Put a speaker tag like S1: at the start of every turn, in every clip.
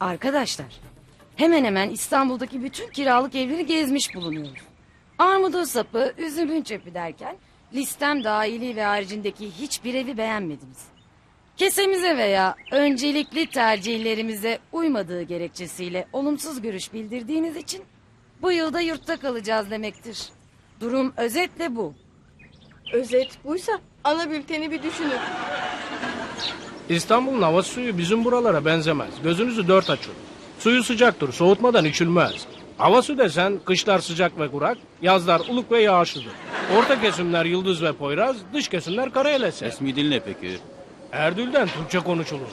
S1: Arkadaşlar, hemen hemen İstanbul'daki bütün kiralık evleri gezmiş bulunuyoruz. Armudun sapı, üzümün çöpü derken listem dahili ve haricindeki hiçbir evi beğenmediniz. Kesemize veya öncelikli tercihlerimize uymadığı gerekçesiyle olumsuz görüş bildirdiğiniz için bu yılda yurtta kalacağız demektir. Durum özetle bu.
S2: Özet buysa ana bülteni bir düşünün.
S3: İstanbul'un hava suyu bizim buralara benzemez. Gözünüzü dört açın. Suyu sıcaktır, soğutmadan içilmez. Hava su desen kışlar sıcak ve kurak, yazlar ılık ve yağışlıdır. Orta kesimler yıldız ve poyraz, dış kesimler karayelese.
S4: Resmi dil ne peki?
S3: Erdül'den Türkçe konuşulur.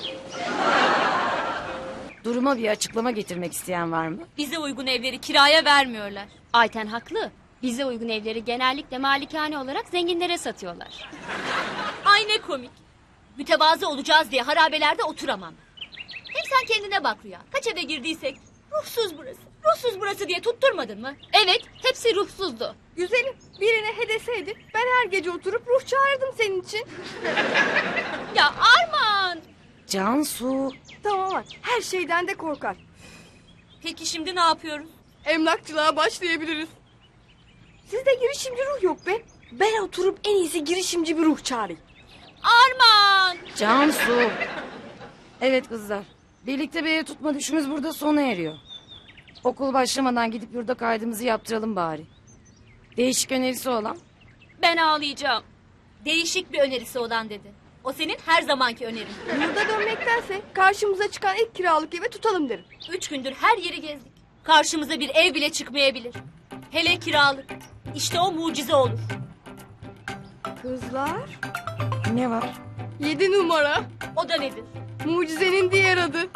S1: Duruma bir açıklama getirmek isteyen var mı?
S5: Bize uygun evleri kiraya vermiyorlar.
S6: Ayten haklı. Bize uygun evleri genellikle malikane olarak zenginlere satıyorlar.
S5: Ay ne komik. Mütevazı olacağız diye harabelerde oturamam. Hem sen kendine bak Rüya. Kaç eve girdiysek ruhsuz burası. Ruhsuz burası diye tutturmadın mı?
S6: Evet, hepsi ruhsuzdu.
S2: Güzelim, birine hedeseydin ben her gece oturup ruh çağırdım senin için.
S6: Ya Arman!
S1: Cansu,
S2: Tamam var, her şeyden de korkar.
S5: Peki şimdi ne yapıyoruz?
S2: Emlakçılığa başlayabiliriz. Sizde girişimci ruh yok be. Ben oturup en iyisi girişimci bir ruh çağırayım.
S6: Arman!
S1: Cansu. Evet kızlar, birlikte bir ev tutma düşümüz burada sona eriyor. Okul başlamadan gidip yurda kaydımızı yaptıralım bari. Değişik önerisi olan?
S6: Ben ağlayacağım.
S5: Değişik bir önerisi olan dedi. O senin her zamanki önerin.
S2: Yurda dönmektense karşımıza çıkan ilk kiralık eve tutalım derim.
S5: 3 gündür her yeri gezdik. Karşımıza bir ev bile çıkmayabilir. Hele kiralık. İşte o mucize olur.
S2: Kızlar,
S1: Ne var?
S2: 7 numara.
S5: O da nedir?
S2: Mucizenin diğer adı.